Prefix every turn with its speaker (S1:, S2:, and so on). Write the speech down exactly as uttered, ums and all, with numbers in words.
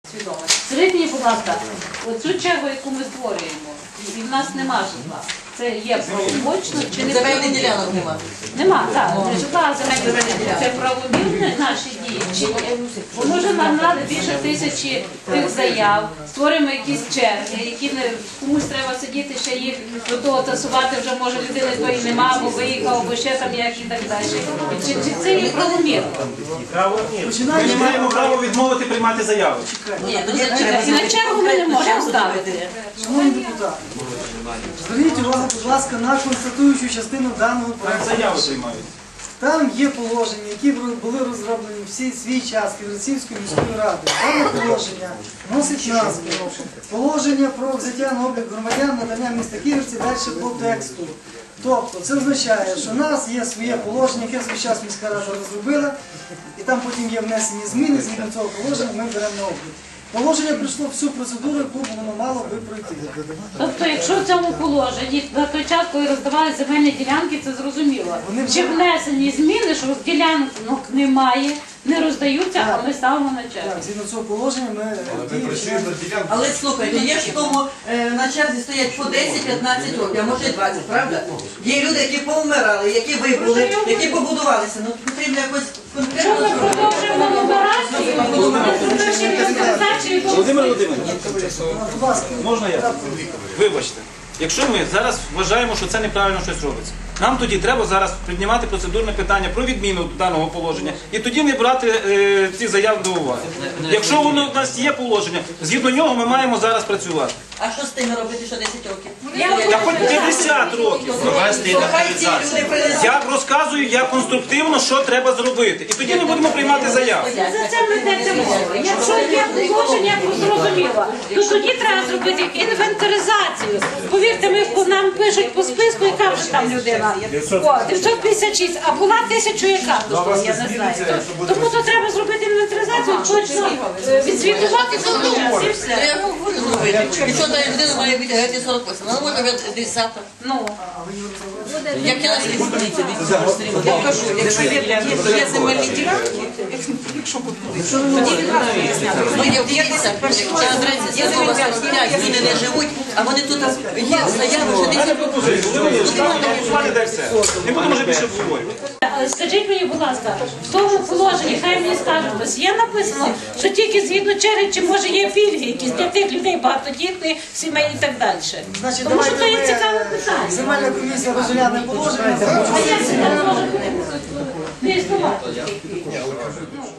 S1: свідомості. Скажіть мені, будь ласка, оцю чергу, яку ми створюємо, і в нас нема житла. Це є правомочно чи не
S2: Земельних ділянок нема.
S1: Нема, так. Житла земельних ділянок. Це правомірні наші дії. Чи бо може нам надо більше тисячі тих заяв, створимо якісь черги, які не комусь треба сидіти, ще їх до того тасувати, вже може людини тої нема, або виїхав, або ще там як і так далі. Чи, чи це є правомірно?
S3: Ми не маємо права відмовити приймати заяви.
S2: Ні, ну
S1: І на чергу ми не можемо ставити.
S4: Шановні депутати, зверніть увагу, будь ласка, на констатуючу частину даного проекту.
S3: Заяви приймають.
S4: Там є положення, які були розроблені всі свій час Ківерцівською міською радою. Дане положення носить назву «Положення про взяття на облік громадян надання міста Ківерці» далі по тексту. Тобто це означає, що в нас є своє положення, яке в свій час міська рада розробила, і там потім є внесені зміни, згідно цього положення ми беремо на облік. Положення пройшло всю процедуру, яку воно мало би пройти.
S1: Тобто, якщо в цьому положенні на той час, коли роздавали земельні ділянки, це зрозуміло. Чи внесені зміни, що ділянок немає, не роздаються, а ми ставимо на чергу.
S4: Так, згідно цього положення ми діємо.
S2: але слухайте, є ж в тому, е, на черзі стоять по десять-п'ятнадцять років, а може і двадцять, правда? Є люди, які повмирали, які вибули, які побудувалися. Ну потрібно якось
S1: Що ми
S2: конкретно.
S1: продовжуємо нумерацію, не зробивши інвентаризацію,
S3: Володимир Володимирович,
S4: Будь ласка.
S3: можна я? Вибачте. Якщо ми зараз вважаємо, що це неправильно щось робиться, нам тоді треба зараз піднімати процедурне питання про відміну даного положення і тоді не брати е, ці заяви до уваги. Якщо воно у нас є положення, згідно нього ми маємо зараз працювати.
S2: А що з тими робити, що десять років?
S3: Та хоч п'ятдесят років.
S2: То хай ці люди принесуть.
S3: Я розказую, як конструктивно, що треба зробити. І тоді ми будемо приймати заяви.
S1: за це ми йдеться мова. Якщо є положення, я зрозуміла, то тоді треба зробити інвентаризацію. Повірте, ми, нам пишуть по списку, яка вже там людина. О, дев'ятсот п'ятдесят шість, а була тисяча яка, я не знаю. Тому то треба зробити інвентаризацію, точно е, відзвітувати за час і все.
S2: Я говорю зробити. Якщо та людина має бути геть сорок восім, вона може бути десять.
S1: Ну,
S2: Як я Я кажу, якщо є, є, є земельні ділянки, якщо тоді відразу виясняти. Ну, є десять, є земельні, люди не живуть, а вони тут є заяви, що не
S3: Не будемо вже більше обговорювати.
S1: скажіть мені, будь ласка, в тому положенні, хай мені скажуть, ось є написано, що тільки згідно черги, чи може є пільги якісь для тих людей багатодітних, сімей і так далі.
S4: Значить,
S1: Тому що
S4: давайте
S1: це є цікаве питання.
S4: ми, земельна комісія розгляне положення.
S1: А як це не може не існувати?